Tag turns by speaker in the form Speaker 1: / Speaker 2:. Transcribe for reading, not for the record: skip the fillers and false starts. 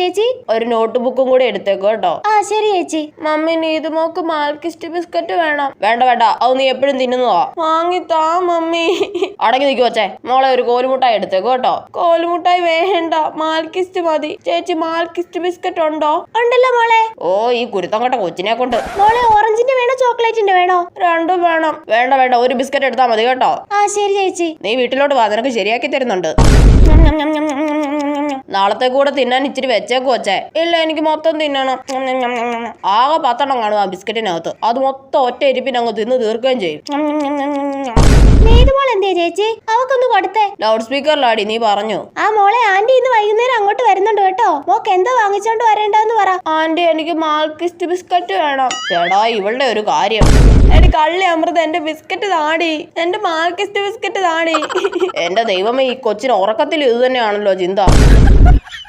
Speaker 1: ചേച്ചി?
Speaker 2: ഒരു നോട്ട് ബുക്കും കൂടി എടുത്തേക്കോ കേട്ടോ.
Speaker 1: ആ ശരി ചേച്ചി.
Speaker 2: മമ്മി നീതു മോക്ക് മാൽക്കിസ്റ്റ് ബിസ്ക്കറ്റ് വേണം. വേണ്ട വേണ്ട, അത് നീ എപ്പോഴും തിന്നുന്നതാ. വാങ്ങിത്താ മമ്മി. അടങ്ങി നിൽക്കു വച്ചേ. മോളെ ഒരു കോലുമുട്ടായി എടുത്തേക്കോ കേട്ടോ. കോലുമുട്ടായി വേണ്ട, മാൽക്കിസ്റ്റ് മതി. ചേച്ചി മാൽക്കിസ്റ്റ് ബിസ്ക്കറ്റ് ഉണ്ടോ?
Speaker 1: ഉണ്ടല്ലോ മോളെ.
Speaker 2: ഓ ഈ കുരുത്തം കെട്ട കൊച്ചിനെ കൊണ്ട്.
Speaker 1: മോളെ ഓറഞ്ചിന്റെ വേണോ ചോക്ലേറ്റിന്റെ വേണോ?
Speaker 2: രണ്ടും വേണം. വേണ്ട വേണ്ട, ഒരു ബിസ്ക്കറ്റ് എടുത്താൽ മതി കേട്ടോ.
Speaker 1: ആ ശരി ചേച്ചി.
Speaker 2: നീ വീട്ടിലോട്ട് വാ, നിനക്ക് ശരിയാക്കി തരുന്നുണ്ട്. നാളത്തെ കൂടെ തിന്നാൻ ഇച്ചിരി വെച്ചേക്ക് വച്ചേ. ഇല്ല എനിക്ക് മൊത്തം തിന്നണം. ആകെ 10 എണ്ണം കാണും ആ ബിസ്ക്കറ്റിനകത്ത്. അത് മൊത്തം ഒറ്റ ഇരിപ്പിന് അങ്ങ് തിന്ന് തീർക്കുകയും ചെയ്യും.
Speaker 1: നീതുമോൾ എന്തേ ചേച്ചി? അവക്കൊന്ന് കൊടുത്തേ.
Speaker 2: ലൗഡ് സ്പീക്കറിലാടി, നീ പറഞ്ഞു.
Speaker 1: ആ മോളെ, ആന്റി ഇന്ന് വൈകുന്നേരം അങ്ങോട്ട് വരുന്നുണ്ട് കേട്ടോ. മോക്ക് എന്താ വാങ്ങിച്ചോണ്ട് വരേണ്ടെന്ന് പറ.
Speaker 2: ആന്റി എനിക്ക് മാൽക്കിസ്റ്റ് ബിസ്ക്കറ്റ് വേണം. ചേടാ ഇവളുടെ ഒരു കാര്യം. എടി കള്ളി അമൃത, എന്റെ ബിസ്ക്കറ്റ് താടി. എന്റെ മാൽക്കിസ്റ്റ് ബിസ്ക്കറ്റ് താടി. എന്റെ ദൈവമേ, ഈ കൊച്ചിന് ഉറക്കത്തിൽ ഇത് തന്നെയാണല്ലോ ചിന്ത.